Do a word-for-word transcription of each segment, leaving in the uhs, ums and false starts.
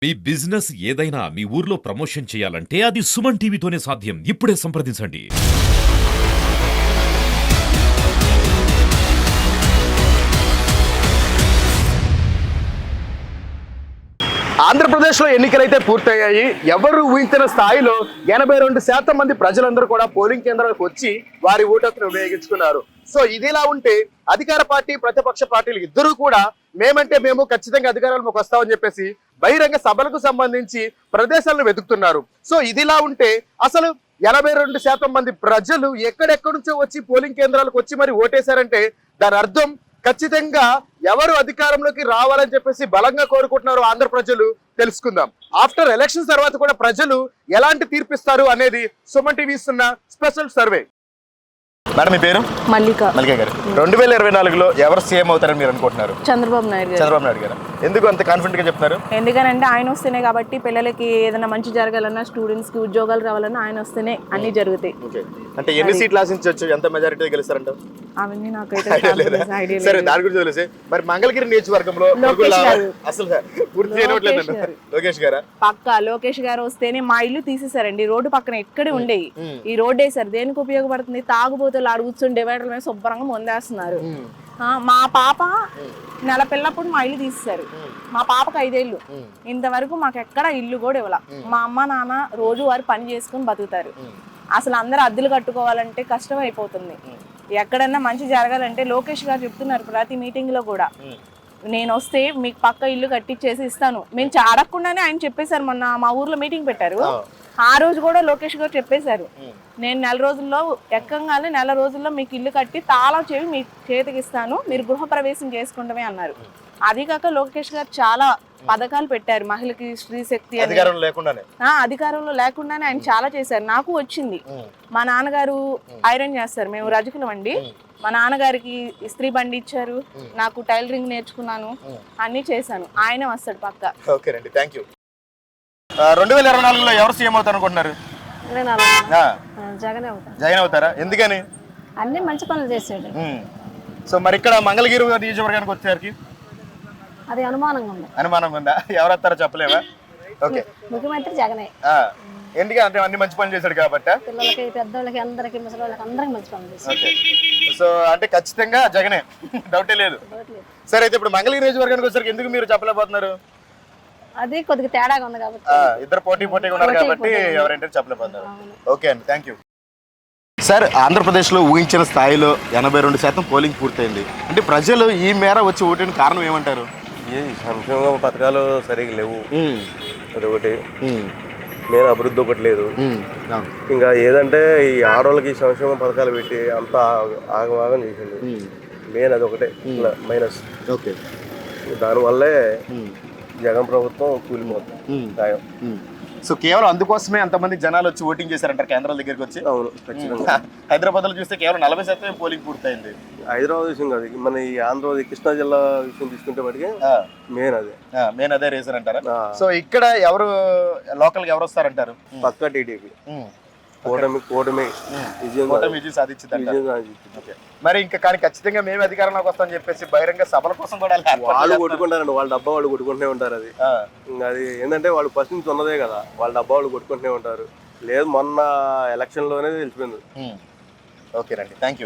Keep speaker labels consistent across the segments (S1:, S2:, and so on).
S1: మీ business ఏదైనా మీ ఊర్లో promotion చేయాలంటే అది సుమన్ టీవీతోనే సాధ్యం. ఇప్పుడే సంప్రదించండి.
S2: ఆంధ్రప్రదేశ్లో ఎన్నికలైతే పూర్తయ్యాయి. ఎవరు ఊహించిన స్థాయిలో ఎనభై రెండు శాతం మంది ప్రజలందరూ కూడా పోలింగ్ కేంద్రాలకు వచ్చి వారి ఓటును ఉపయోగించుకున్నారు. సో ఇదిలా ఉంటే అధికార పార్టీ ప్రతిపక్ష పార్టీలు ఇద్దరూ కూడా మేమంటే మేము ఖచ్చితంగా అధికారంలోకి వస్తామని చెప్పేసి బహిరంగ సభలకు సంబంధించి ప్రదేశాలను వెతుకుతున్నారు. సో ఇదిలా ఉంటే అసలు ఎనభై రెండు శాతం మంది ప్రజలు ఎక్కడెక్కడి నుంచో వచ్చి పోలింగ్ కేంద్రాలకు వచ్చి మరి ఓటేశారంటే దాని అర్థం ఖచ్చితంగా ఎవరు అధికారంలోకి రావాలని చెప్పేసి బలంగా కోరుకుంటున్నారు ఆంధ్ర ప్రజలు. తెలుసుకుందాం. ఆఫ్టర్ ఎలక్షన్స్ తర్వాత కూడా ప్రజలు ఎలాంటి తీర్పిస్తారు అనేది సుమన్ టీవీ ఇస్తున్న స్పెషల్ సర్వే. మేడం, మీ పేరు?
S3: మల్లిక.
S2: మల్లిక గారు, రెండు వేల ఇరవై నాలుగులో ఎవరు సీఎం అవుతారని మీరు అనుకుంటున్నారు?
S3: చంద్రబాబు నాయుడు గారు.
S2: చంద్రబాబు నాయుడు గారు. ఎందుకు అంత కాన్ఫిడెంట్ గా చెప్తున్నారు?
S3: ఎందుకనంటే ఆయన వస్తేనే కాబట్టి పిల్లలకి ఏదైనా మంచి జరగాలన్నా, స్టూడెంట్స్ కి ఉద్యోగాలు రావాలన్నా ఆయన వస్తేనే అన్ని జరుగుతాయి.
S2: అంటే ఎన్ని సీట్లు ఆశించవచ్చు, ఎంత మెజారిటీ గెలుస్తారంట?
S3: అవన్నీ నాకైతే
S2: సరే, దాని గురించి తెలిసి మరి మంగళగిరి నియోజకవర్గంలో అసలు పూర్తి లోకేష్ గారా?
S3: పక్కా లోకేష్ గారు వస్తేనే. మా ఇల్లు తీసేసారండి, రోడ్డు పక్కన ఎక్కడే ఉండేవి. ఈ రోడ్డు వేసారు. దేనికి ఉపయోగపడుతుంది? తాగుబోతులు ఆడు కూర్చొని డివైడర్ మీద శుభ్రంగా ముందేస్తున్నారు. మా పాప నెల పిల్లప్పుడు మా ఇల్లు తీసేశారు. మా పాపకు ఐదేళ్ళు. ఇంతవరకు మాకు ఎక్కడ ఇల్లు కూడా ఇవ్వాల. మా అమ్మ నాన్న రోజు వారు పని చేసుకుని బతుకుతారు. అసలు అందరూ అద్దెలు కట్టుకోవాలంటే కష్టం అయిపోతుంది. ఎక్కడన్నా మంచి జరగాలంటే లోకేష్ గారు చెప్తున్నారు ప్రతి మీటింగ్ లో కూడా, నేను వస్తే మీకు పక్క ఇల్లు కట్టించేసి ఇస్తాను. మేము అడగకుండానే ఆయన చెప్పేశారు. మొన్న మా ఊర్లో మీటింగ్ పెట్టారు, ఆ రోజు కూడా లోకేష్ గారు చెప్పేశారు, నేను నెల రోజుల్లో ఎక్కంగానే నెల రోజుల్లో మీకు ఇల్లు కట్టి తాళం చెవి మీ చేతికి ఇస్తాను, మీరు గృహప్రవేశం చేసుకుంటమే అన్నారు. అది కాక లోకేష్ గారు చాలా పథకాలు పెట్టారు. మహిళకి స్త్రీ శక్తి అధికారంలో లేకుండానే ఆయన చాలా చేశారు. నాకు వచ్చింది. మా నాన్నగారు ఐరన్ చేస్తారు, మేము రజకులం అండి. మా నాన్నగారికి ఇస్త్రీ బండి ఇచ్చారు, నాకు టైలరింగ్ నేర్చుకున్నాను, అన్ని చేశాను. ఆయనే వస్తాడు పక్క.
S2: ఓకేనండి, థ్యాంక్ యూ. రెండు వేల ఇరవై నాలుగులో ఎవరు సీఎం అవుతారు అనుకుంటున్నారు? జగన్ అవుతారా? ఎందుకని?
S4: అన్ని మంచి పనులు చేసాడు.
S2: సో మరి ఇక్కడ మంగళగిరి నియోజకవర్గానికి వచ్చేసరికి
S4: అది అనుమానంగా ఉంది.
S2: అనుమానంగా ఉందా? ఎవరు వస్తారో చెప్పలేవా? ఓకే,
S4: ముఖ్యమంత్రి జగనే.
S2: ఎందుకంటే అన్ని మంచి పనులు చేశాడు కాబట్టి
S4: పిల్లలకి, పెద్దోళ్ళకి, అందరికి, ముసలి వాళ్ళకి అందరికి మంచి పనులు చేశాడు.
S2: సో అంటే ఖచ్చితంగా జగనే, డౌటే లేదు. సరే, అయితే ఇప్పుడు మంగళగిరి నియోజకవర్గానికి వచ్చేసరికి ఎందుకు మీరు చెప్పలేకపోతున్నారు?
S4: అది కొద్దిగా తేడాగా ఉంది కాబట్టి.
S2: ఇద్దరు పోటీ పోటీగా ఉన్నారు కాబట్టి ఎవరంటే చెప్పలేకపోతున్నారు. ఓకే అండి, థ్యాంక్ యూ. సార్, ఆంధ్రప్రదేశ్లో ఊహించిన స్థాయిలో ఎనభై రెండు శాతం పోలింగ్ పూర్తయింది. అంటే ప్రజలు ఈ మేర వచ్చి ఓటిన కారణం ఏమంటారు?
S5: ఈ సంక్షేమ పథకాలు సరిగ్గా లేవు, అదొకటి. నేను అభివృద్ధి ఒకటి లేదు. ఇంకా ఏదంటే ఈ ఆడవాళ్ళకి సంక్షేమ పథకాలు పెట్టి అంతా ఆగమాగం చేసింది. మెయిన్ అదొకటే మైనస్.
S2: ఓకే,
S5: దానివల్లే జగన్ ప్రభుత్వం కూలిపోతుంది.
S2: సో కేవలం అందుకోసమే అంతమంది జనాలు వచ్చి ఓటింగ్ చేశారంటారు కేంద్రాల దగ్గరికి వచ్చి?
S5: అవును, ఖచ్చితంగా.
S2: హైదరాబాద్ లో చూస్తే కేవలం నలభై శాతం పోలింగ్ పూర్తయింది.
S5: హైదరాబాద్ విషయం కాదు, మన ఈ ఆంధ్రప్రదేశ్ కృష్ణా జిల్లా విషయం తీసుకుంటే మటుకే మెయిన్ అదే
S2: మెయిన్ అదే రీజన్ అంటారా? సో ఇక్కడ ఎవరు లోకల్ గా ఎవరు వస్తారంటారు?
S5: పక్కా టీడీపీ కూటమి కూటమి
S2: విజయం సాధించింది. మరి ఇంకా కానీ ఖచ్చితంగా మేము అధికారంలోకి వస్తామని చెప్పేసి బహిరంగ సభల కోసం కూడా
S5: వాళ్ళు కొట్టుకుంటారండి. వాళ్ళ డబ్బా వాళ్ళు కొట్టుకుంటూనే ఉంటారు. అది అది ఏంటంటే వాళ్ళు ఫస్ట్ నుంచి ఉన్నదే కదా, వాళ్ళ డబ్బా వాళ్ళు కొట్టుకుంటూనే ఉంటారు. లేదు, మొన్న ఎలక్షన్ లోనే తెలిసిపోయింది.
S2: ఓకేనండి, థ్యాంక్ యూ.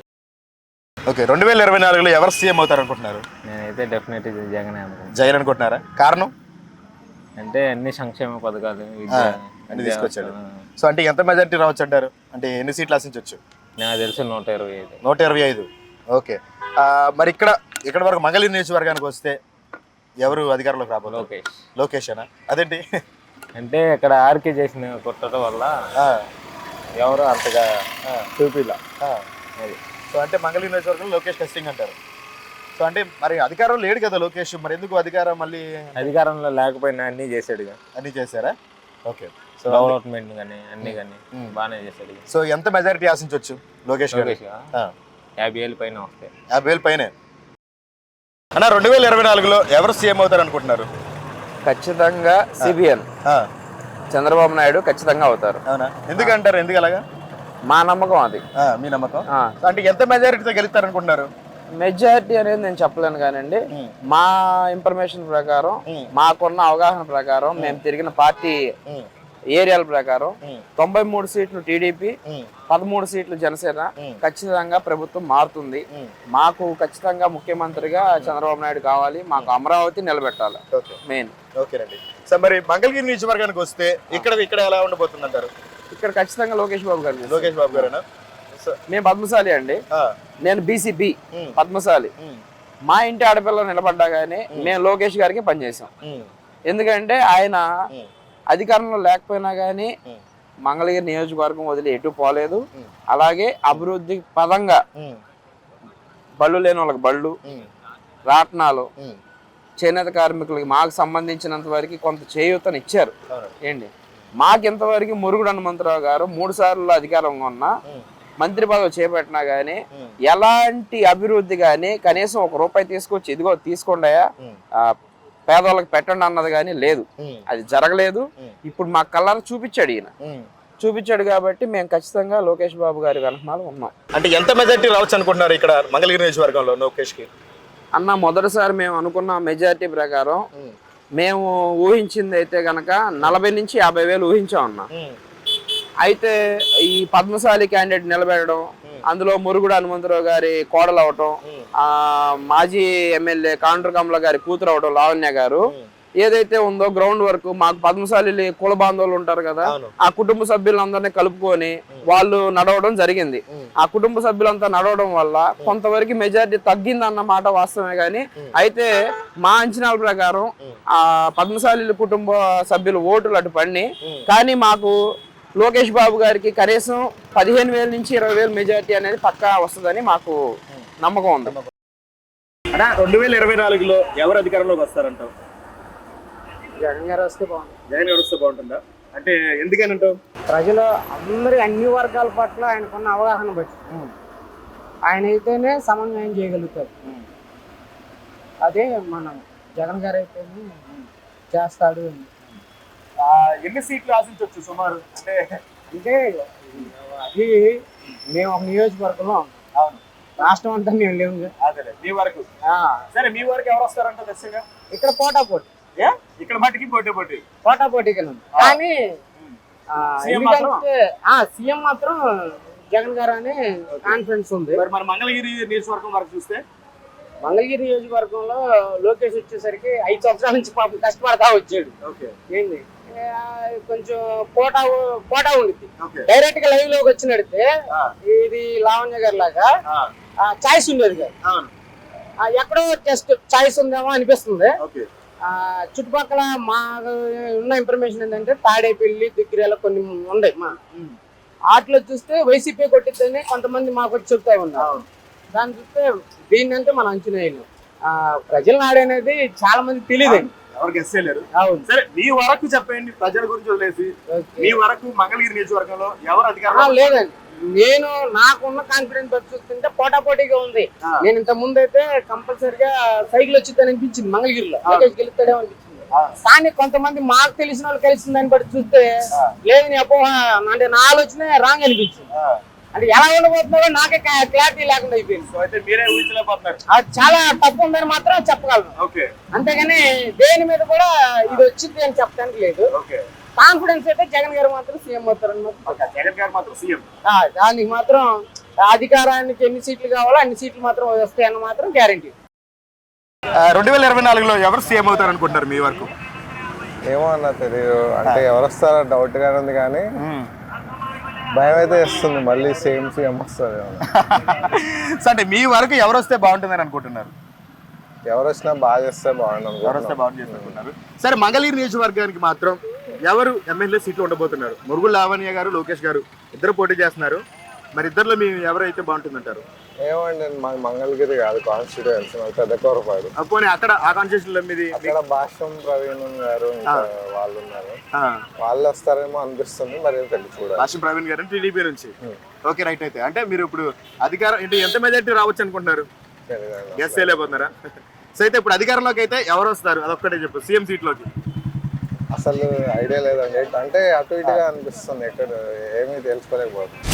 S2: ఓకే, రెండు వేల ఇరవై నాలుగులో ఎవరు సీఎం అవుతారు అనుకుంటున్నారు?
S6: నేనైతే డెఫినెట్ జగన్
S2: జగన్ అనుకుంటున్నారా? కారణం
S6: అంటే అన్ని సంక్షేమ పథకాలు
S2: అన్ని తీసుకొచ్చాడు. సో అంటే ఎంత మెజారిటీ రావచ్చు అంటారు? అంటే ఎన్ని సీట్లు ఆశించవచ్చు?
S6: నాకు తెలిసి నూట ఇరవై ఐదు
S2: నూట ఇరవై ఐదు ఓకే. మరి ఇక్కడ ఇక్కడ వరకు మంగళగిరి నియోజకవర్గానికి వస్తే ఎవరు అధికారంలోకి రాబోదు?
S6: లోకేష్.
S2: లోకేష్ అనా? అదేంటి?
S6: అంటే ఇక్కడ ఆర్కే చేసిన కొట్టడం వల్ల ఎవరు అంతగా చూపిలా.
S2: అది సో అంటే మంగళగిరి నియోజకవర్గంలో లోకేష్ టెస్టింగ్ అంటారు. సో అంటే మరి అధికారం లేడు కదా లోకేష్, మరి ఎందుకు అధికారం? మళ్ళీ
S6: అధికారంలో లేకపోయినా అన్ని చేశాడు.
S2: అన్ని చేశారా? ఓకే. సో
S6: డెవలప్మెంట్ కానీ అన్ని కానీ బాగానే చేశాడు.
S2: సో ఎంత మెజారిటీ ఆశించవచ్చు లోకేష్?
S6: యాభై వేలు పైన వస్తాయి.
S2: యాభై వేలు పైన. అన్న, రెండు వేల ఇరవై నాలుగులో ఎవరు సీఎం అవుతారు అనుకుంటున్నారు?
S7: ఖచ్చితంగా సిబిఎన్ చంద్రబాబు నాయుడు ఖచ్చితంగా అవుతారు.
S2: అవునా? ఎందుకంటారు? ఎందుకు అలాగా?
S7: మా నమ్మకం అది.
S2: మీ నమ్మకం? అంటే ఎంత మెజారిటీతో గెలుస్తారు అనుకుంటున్నారు?
S7: మెజారిటీ అనేది నేను చెప్పలేను కానండి, మా ఇన్ఫర్మేషన్ ప్రకారం, మాకున్న అవగాహన ప్రకారం, మేము తిరిగిన పార్టీ ఏరియాల ప్రకారం తొంభై మూడు సీట్లు టీడీపీ, పదమూడు సీట్లు జనసేన, ఖచ్చితంగా ప్రభుత్వం మారుతుంది. మాకు ఖచ్చితంగా ముఖ్యమంత్రిగా చంద్రబాబు నాయుడు కావాలి, మాకు అమరావతి నిలబెట్టాలి మెయిన్.
S2: ఓకేనండి. సో మరి మంగళగిరి నియోజకవర్గానికి వస్తే ఇక్కడ ఇక్కడ ఎలా ఉండబోతుంది అంటారు?
S7: ఇక్కడ ఖచ్చితంగా లోకేష్ బాబు గారు.
S2: లోకేష్ బాబు గారేనా?
S7: మేము పద్మశాలి అండి, నేను బీసీబీ పద్మశాలి. మా ఇంటి ఆడపిల్ల నిలబడ్డా గానీ మేము లోకేష్ గారికి పనిచేసాం. ఎందుకంటే ఆయన అధికారంలో లేకపోయినా కానీ మంగళగిరి నియోజకవర్గం వదిలి ఎటు పోలేదు. అలాగే అభివృద్ధి పదంగా బళ్ళు లేని వాళ్ళకి బళ్ళు, రాట్నాలు, చేనేత కార్మికులకి మాకు సంబంధించినంత వరకు కొంత చేయూతను ఇచ్చారు. ఏంటి మాకు ఇంతవరకు మురుగుడు హనుమంతరావు గారు మూడు సార్లు అధికారంగా ఉన్నా, మంత్రి పదవి చేపట్టినా గానీ ఎలాంటి అభివృద్ధి కానీ కనీసం ఒక రూపాయి తీసుకొచ్చి ఇదిగో తీసుకోండియా పేదవాళ్ళకి పెట్టండి అన్నది కానీ లేదు, అది జరగలేదు. ఇప్పుడు మా కళ్ళారా చూపించాడు ఈయన, చూపించాడు కాబట్టి మేము ఖచ్చితంగా లోకేష్ బాబు గారి వెనకమాల ఉన్నాం.
S2: అంటే ఎంత మెజారిటీ రావచ్చు అనుకుంటున్నారు ఇక్కడ మంగళగిరి నియోజకవర్గంలో లోకేష్ కి?
S7: అన్న మొదటిసారి మేము అనుకున్న మెజారిటీ ప్రకారం మేము ఊహించింది అయితే గనక నలభై నుంచి యాభై వేలు ఊహించాం అన్న. అయితే ఈ పద్మశాలి క్యాండిడేట్ నిలబెట్టడం, అందులో మురుగుడు హనుమంతరావు గారి కోడలు అవటం, ఆ మాజీ ఎమ్మెల్యే కాండ్రు కమల గారి కూతురు అవటం లావణ్య గారు, ఏదైతే ఉందో గ్రౌండ్ వర్క్ మాకు పద్మశాలి కుల బాంధవులు ఉంటారు కదా, ఆ కుటుంబ సభ్యులందరినీ కలుపుకొని వాళ్ళు నడవడం జరిగింది. ఆ కుటుంబ సభ్యులంతా నడవడం వల్ల కొంతవరకు మెజారిటీ తగ్గింది అన్న మాట వాస్తవమే. కానీ అయితే మా అంచనాల ప్రకారం ఆ పద్మశాలి కుటుంబ సభ్యులు ఓటులు అటు పడిని, కానీ మాకు లోకేష్ బాబు గారికి కనీసం పదిహేను వేల నుంచి ఇరవై వేలు మెజారిటీ అనేది పక్కా వస్తుందని మాకు నమ్మకం ఉంది.
S2: రెండు వేల ఇరవై నాలుగులో ఎవరు అధికారంలోకి వస్తారంటావు?
S8: జగన్ గారు వస్తే బాగుంటుంది.
S2: జగన్ గారు వస్తే బాగుంటుందా? అంటే ఎందుకని అంటావు?
S8: ప్రజలు అందరి అన్ని వర్గాల పట్ల ఆయనకున్న అవగాహన బట్టి ఆయన అయితేనే సమన్వయం చేయగలుగుతారు. అదే మనం జగన్ గారు అయితేనే చేస్తాడు.
S2: ఎన్ని సీట్లు ఆశించవచ్చు సుమారు? అంటే
S8: అంటే అది మేము ఒక నియోజకవర్గంలో
S2: అవును,
S8: రాష్ట్రం అంతా మేము లేవు.
S2: అదే మీ వరకు. సరే, మీ వరకు ఎవరు వస్తారంట దశగా?
S8: ఇక్కడ పోటా పోటీ,
S2: ఇక్కడ మట్టికి పోటీ పోటీ
S8: పోటా పోటీకి కానీ ఎందుకంటే సీఎం మాత్రం జగన్ గారు అనే కాన్ఫిడెన్స్ ఉంది.
S2: మరి మన మంగళగిరి నియోజకవర్గం వరకు చూస్తే,
S8: మంగళగిరి నియోజకవర్గంలో లోకేష్ వచ్చేసరికి ఐదు సంవత్సరాల నుంచి పాపం కష్టపడతా వచ్చాడు. ఏంది కొంచెం పోటా పోటా ఉండిద్ది. డైరెక్ట్ గా లైవ్ లోకి వచ్చి నడితే ఇది లావణ్య గారి లాగా చాయిస్ ఉండేది కాదు. ఎక్కడో జస్ట్ చాయిస్ ఉందేమో అనిపిస్తుంది. ఆ చుట్టుపక్కల మా ఉన్న ఇన్ఫర్మేషన్ ఏంటంటే తాడేపల్లి దుగ్గిరేల కొన్ని ఉన్నాయి. మా వాటిలో చూస్తే వైసీపీ కొట్టిద్దని కొంతమంది మాకు వచ్చి చెప్తా ఉన్నారు. దాన్ని చూస్తే దీన్ని అంటే మనం అంచనా వేయలేం. ఆ ప్రజల నాడనేది చాలా మంది తెలియదండి,
S2: ఎవరు గెస్ చేయలేరు. సరే, మీ వరకు చెప్పండి, ప్రజల గురించి వదిలేసి మీ వరకు మంగళగిరి నియోజకవర్గంలో ఎవరు అధికారం?
S8: లేదండి, నేను నాకున్న కాన్ఫిడెన్స్ చూస్తుంటే పోటా పోటీగా ఉంది. నేను ఇంత ముందు అయితే కంపల్సరిగా సైకిల్ వచ్చిందని అనిపించింది మంగళగిరిలో, గెలుస్తాడేమో అనిపించింది. కానీ కొంతమంది మాకు తెలిసిన వాళ్ళు కలిసిన దాన్ని బట్టి చూస్తే లేదు నీ అపోహ అంటే నా ఆలోచన రాంగ్ అనిపించింది. అంటే ఎలా ఉండబోతున్నారో నాకే క్లారిటీ లేకుండా అయిపోయింది.
S2: అయితే మీరే ఊహించలేకపోతున్నారు.
S8: అది చాలా తప్పు ఉందని మాత్రం చెప్పగలను. అంతేగాని దేని మీద కూడా ఇది వచ్చింది అని చెప్పడానికి లేదు. కాన్ఫిడెన్స్ అయితే జగన్ గారు మాత్రం సీఎం అవుతారు.
S2: జగన్ గారు మాత్రం సీఎం,
S8: దానికి మాత్రం అధికారానికి ఎన్ని సీట్లు కావాలో అన్ని సీట్లు మాత్రం వస్తాయన్న మాత్రం గ్యారంటీ.
S2: రెండు వేల ఇరవై నాలుగులో ఎవరు సీఎం అవుతారు అనుకుంటారు మీ వరకు?
S6: ఏమో అన్న తెలియదు, అంటే ఎవరు వస్తారో డౌట్ గానే ఉంది, కానీ భయం అయితే వస్తుంది మళ్ళీ సేమ్ సీఎం వస్తారు.
S2: అంటే మీ వరకు ఎవరు వస్తే బాగుంటుందని అనుకుంటున్నారు?
S6: ఎవరు వచ్చినా బాగా చేస్తే బాగుంటుంది.
S2: ఎవరు వస్తే బాగుంది అనుకుంటున్నారు. సరే, మంగళగిరి నియోజకవర్గానికి మాత్రం ఎవరు ఎమ్మెల్యే సీట్లు ఉండబోతున్నారు? మురుగుడు లావణ్య గారు, లోకేష్ గారు ఇద్దరు పోటీ చేస్తున్నారు. మరి ఇద్దరులో మీ ఎవరైతే బాగుంటుందంటారు?
S6: ఏమండి, మాది మంగళగిరి కాదు కాన్స్టిట్యూయెన్సీ, మాది పెద్దకూరపాడు.
S2: పోనీ అక్కడ ఆ కాన్స్టిట్యూషన్ లో మీది?
S6: అక్కడ భాష్యం ప్రవీణ్ గారు వాళ్ళు ఉన్నారు, వాళ్ళు వస్తారేమో అనిపిస్తుంది, మరి తెలిసి చూడాలి.
S2: భాష్యం ప్రవీణ్ గారు టీడీపీ నుంచి. Okay, right. అయితే అంటే మీరు ఇప్పుడు అధికారం ఏంటి ఎంత మెజారిటీ రావచ్చు అనుకుంటున్నారు? గెస్ చేయలేకపోతున్నారా? సో అయితే ఇప్పుడు అధికారంలోకి అయితే ఎవరు వస్తారు అదొక్కటే చెప్పు, సీఎం సీట్లోకి.
S6: అసలు ఐడియా లేదండి, అంటే అటు ఇటుగా అనిపిస్తుంది, ఎక్కడ ఏమీ తెలుసుకోలేకపోతుంది.